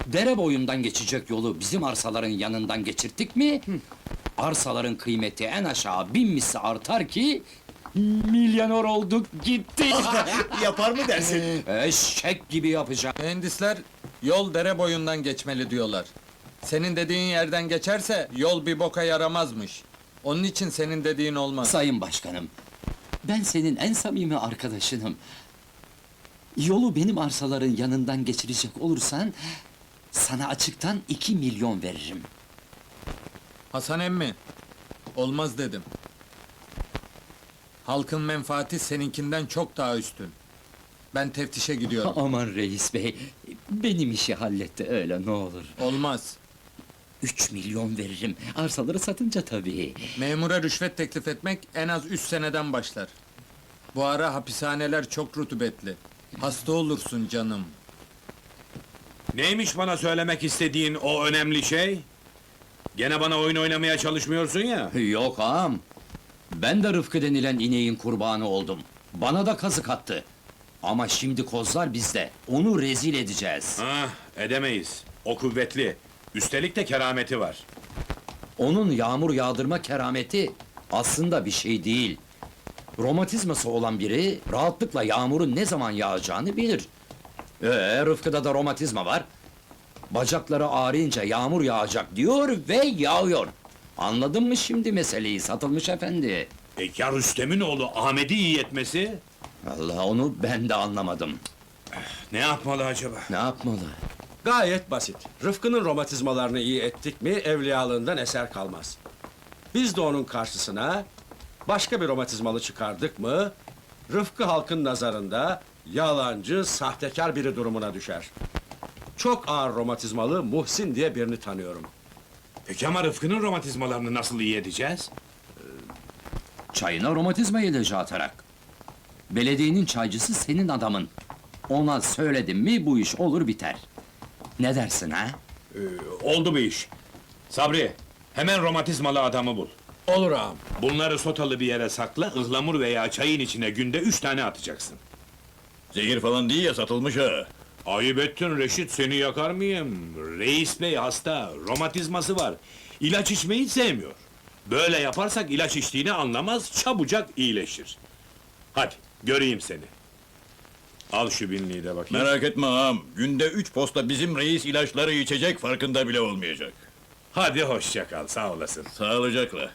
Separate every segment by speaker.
Speaker 1: Dere boyundan geçecek yolu bizim arsaların yanından geçirttik mi... ...arsaların kıymeti en aşağı 1000 misli artar ki... ...milyoner olduk gitti!
Speaker 2: Yapar mı dersin?
Speaker 1: Eşek gibi yapacak!
Speaker 3: Mühendisler, yol dere boyundan geçmeli diyorlar. Senin dediğin yerden geçerse, yol bir boka yaramazmış. Onun için senin dediğin olmaz.
Speaker 1: Sayın başkanım, ben senin en samimi arkadaşınım. Yolu benim arsaların yanından geçirecek olursan... ...sana açıktan 2 milyon veririm.
Speaker 3: Hasan emmi, olmaz dedim. Halkın menfaati seninkinden çok daha üstün. Ben teftişe gidiyorum.
Speaker 1: Aman reis bey, benim işi halletti öyle ne olur.
Speaker 3: Olmaz.
Speaker 1: 3 milyon veririm, arsaları satınca tabii.
Speaker 3: Memura rüşvet teklif etmek en az 3 seneden başlar. Bu ara hapishaneler çok rutubetli. Hasta olursun canım.
Speaker 4: Neymiş bana söylemek istediğin o önemli şey? Gene bana oyun oynamaya çalışmıyorsun ya.
Speaker 1: Yok ağam, ben de Rıfkı denilen ineğin kurbanı oldum. Bana da kazık attı. Ama şimdi kozlar bizde, onu rezil edeceğiz.
Speaker 4: Ah, edemeyiz. O kuvvetli. Üstelik de kerameti var.
Speaker 1: Onun yağmur yağdırma kerameti aslında bir şey değil. Romatizması olan biri rahatlıkla yağmurun ne zaman yağacağını bilir. Rıfkı'da da romatizma var. Bacakları ağrıyınca yağmur yağacak diyor ve yağıyor. Anladın mı şimdi meseleyi Satılmış efendi?
Speaker 4: Ya Rüstem'in oğlu Ahmet'i iyi etmesi?
Speaker 1: Allah, onu ben de anlamadım.
Speaker 4: Ne yapmalı acaba?
Speaker 1: Ne yapmalı?
Speaker 2: Gayet basit. Rıfkı'nın romatizmalarını iyi ettik mi, evliyalığından eser kalmaz. Biz de onun karşısına başka bir romatizmalı çıkardık mı, Rıfkı halkın nazarında yalancı, sahtekar biri durumuna düşer. Çok ağır romatizmalı Muhsin diye birini tanıyorum.
Speaker 4: Peki ama Rıfkı'nın romatizmalarını nasıl iyi edeceğiz?
Speaker 1: Çayına romatizma ilacı atarak. Belediyenin çaycısı senin adamın. Ona söyledim mi bu iş olur biter. Ne dersin ha?
Speaker 4: Oldu bu iş. Sabri, hemen romatizmalı adamı bul.
Speaker 2: Olur ağam.
Speaker 4: Bunları sotalı bir yere sakla, ıhlamur veya çayın içine günde 3 tane atacaksın.
Speaker 5: Zehir falan değil ya, Satılmış ha.
Speaker 4: Ayıp ettin Reşit, seni yakar mıyım? Reis bey hasta, romatizması var. İlaç içmeyi sevmiyor. Böyle yaparsak ilaç içtiğini anlamaz, çabucak iyileşir. Hadi, göreyim seni. Al şu binliği de bakayım.
Speaker 5: Merak etme ağam, günde 3 posta bizim reis ilaçları içecek, farkında bile olmayacak.
Speaker 4: Hadi hoşça kal, sağ olasın.
Speaker 5: Sağlıcakla.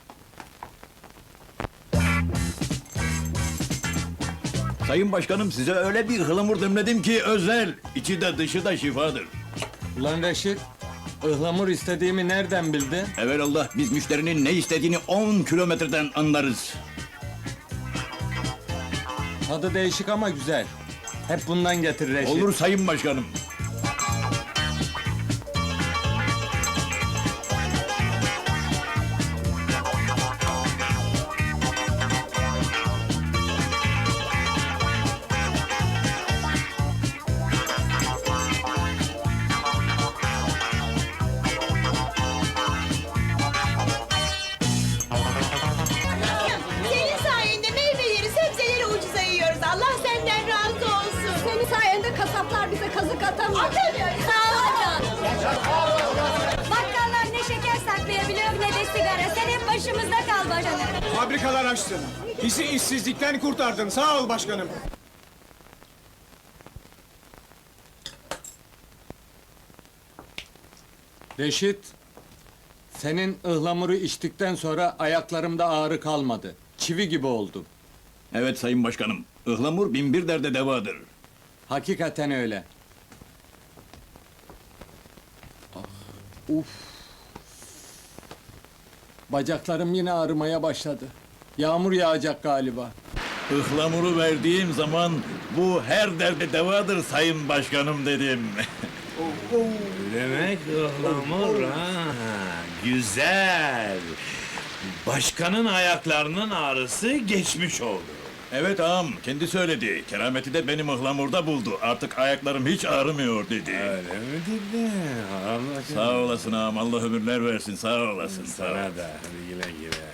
Speaker 5: Sayın Başkanım, size öyle bir ıhlamur demledim ki özel, içi de dışı da şifadır.
Speaker 3: Ulan Reşit, ıhlamur istediğimi nereden bildin?
Speaker 5: Evelallah, biz müşterinin ne istediğini 10 kilometreden anlarız.
Speaker 3: Tadı değişik ama güzel. Hep bundan getir Reşit.
Speaker 5: Olur Sayın Başkanım.
Speaker 6: Senin sayende meyveleri, sebzeleri ucuza yiyoruz. Allah senden razı olsun. Senin sayende kasaplar bize kazık atamıyor. Atamıyor. Sağ ol canım. Bakkallar ne şeker saklayabiliyor ne de sigara. Sen hep başımızda kal başkanım.
Speaker 7: Fabrikalar açtın. Bizi işsizlikten kurtardın. Sağ ol başkanım.
Speaker 3: Reşit, senin ıhlamuru içtikten sonra ayaklarımda ağrı kalmadı. Çivi gibi oldum.
Speaker 5: Evet Sayın Başkanım, ıhlamur binbir derde devadır.
Speaker 3: Hakikaten öyle. Uf. Bacaklarım yine ağrımaya başladı. Yağmur yağacak galiba.
Speaker 5: Ihlamuru verdiğim zaman bu her derde devadır Sayın Başkanım dedim.
Speaker 4: Demek ıhlamur ha, güzel. Başkanın ayaklarının ağrısı geçmiş oldu.
Speaker 5: Evet ağam, kendi söyledi. Kerameti de benim ıhlamurda buldu. Artık ayaklarım hiç ağrımıyor dedi.
Speaker 4: Öyle mi dedi? Allah
Speaker 5: Sağ olasın ağam, Allah ömürler versin, sağ olasın. Sağ ol.
Speaker 4: sana da, hadi güle güle.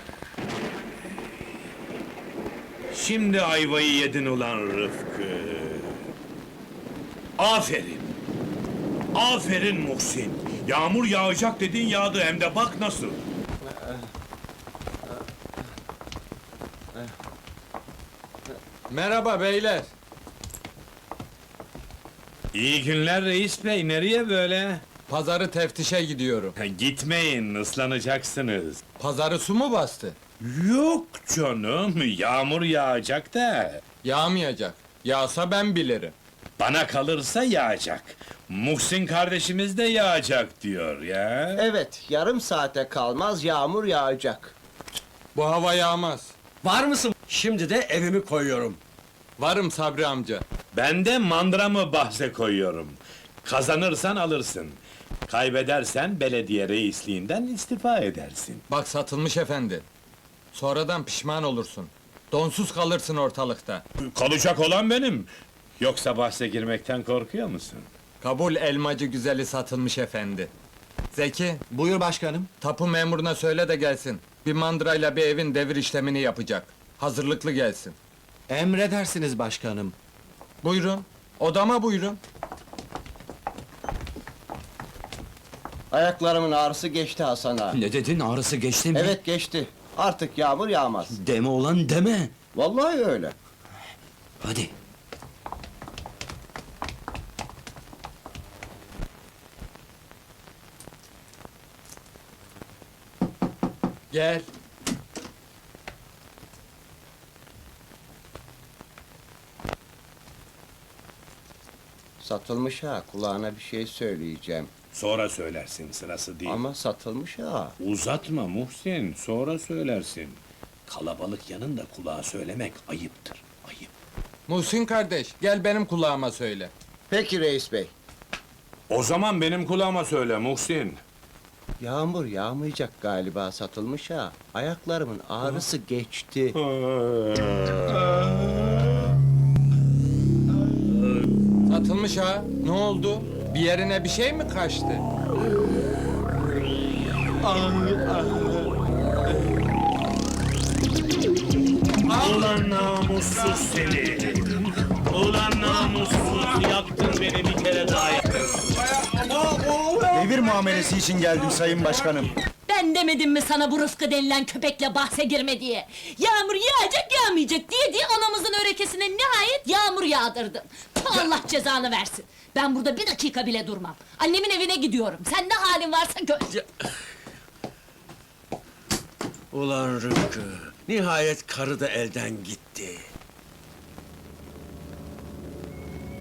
Speaker 4: Şimdi ayvayı yedin ulan Rıfkı. Aferin. Aferin Muhsin. Yağmur yağacak dedin yağdı hem de bak nasıl.
Speaker 3: Merhaba beyler.
Speaker 4: İyi günler reis bey, nereye böyle?
Speaker 3: Pazarı teftişe gidiyorum.
Speaker 4: Gitmeyin, ıslanacaksınız.
Speaker 3: Pazarı su mu bastı?
Speaker 4: Yok canım, yağmur yağacak da.
Speaker 3: Yağmayacak. Yağsa ben bilirim.
Speaker 4: Bana kalırsa yağacak. Muhsin kardeşimiz de yağacak diyor ya.
Speaker 8: Evet, yarım saate kalmaz yağmur yağacak.
Speaker 3: Bu hava yağmaz.
Speaker 2: Var mısın? Şimdi de evimi koyuyorum.
Speaker 3: Varım Sabri amca.
Speaker 4: Ben de mandramı bahse koyuyorum. Kazanırsan alırsın. Kaybedersen belediye reisliğinden istifa edersin.
Speaker 3: Bak satılmış efendi. Sonradan pişman olursun. Donsuz kalırsın ortalıkta.
Speaker 4: Kalacak olan benim. Yoksa bahse girmekten korkuyor musun?
Speaker 3: Kabul elmacı güzeli satılmış efendi. Zeki,
Speaker 8: Buyur başkanım.
Speaker 3: tapu memuruna söyle de gelsin. Bir mandrayla bir evin devir işlemini yapacak. Hazırlıklı gelsin.
Speaker 8: Emredersiniz başkanım.
Speaker 3: Buyurun. Odama buyurun.
Speaker 8: Ayaklarımın ağrısı geçti Hasan ağa.
Speaker 1: Ne dedin, ağrısı geçti mi?
Speaker 8: Evet geçti. Artık yağmur yağmaz.
Speaker 1: Deme olan deme.
Speaker 8: Vallahi öyle.
Speaker 1: Hadi.
Speaker 3: Gel.
Speaker 8: Satılmış ha, kulağına bir şey söyleyeceğim.
Speaker 4: Sonra söylersin, sırası değil.
Speaker 8: Ama satılmış ha.
Speaker 4: Uzatma Muhsin, sonra söylersin. Kalabalık yanında kulağa söylemek ayıptır, ayıp.
Speaker 3: Muhsin kardeş, gel benim kulağıma söyle.
Speaker 8: Peki reis bey.
Speaker 4: O zaman benim kulağıma söyle Muhsin.
Speaker 8: Yağmur yağmayacak galiba satılmış ha. Ayaklarımın ağrısı geçti.
Speaker 3: Satılmış ha. Ne oldu? Bir yerine bir şey mi kaçtı?
Speaker 4: Ulan namussuz seni! Ulan namussuz, yaktın beni bir kere daha yaktın.
Speaker 7: Devir muamelesi için geldim sayın başkanım.
Speaker 6: Ben demedim mi sana bu Rıfkı denilen köpekle bahse girme diye? Yağmur yağacak yağmayacak diye anamızın örekesine nihayet yağmur yağdırdın. Allah cezanı versin. Ben burada bir dakika bile durmam. Annemin evine gidiyorum. Sen ne halin varsa gör.
Speaker 2: Ulan Rıfkı, nihayet karı da elden gitti.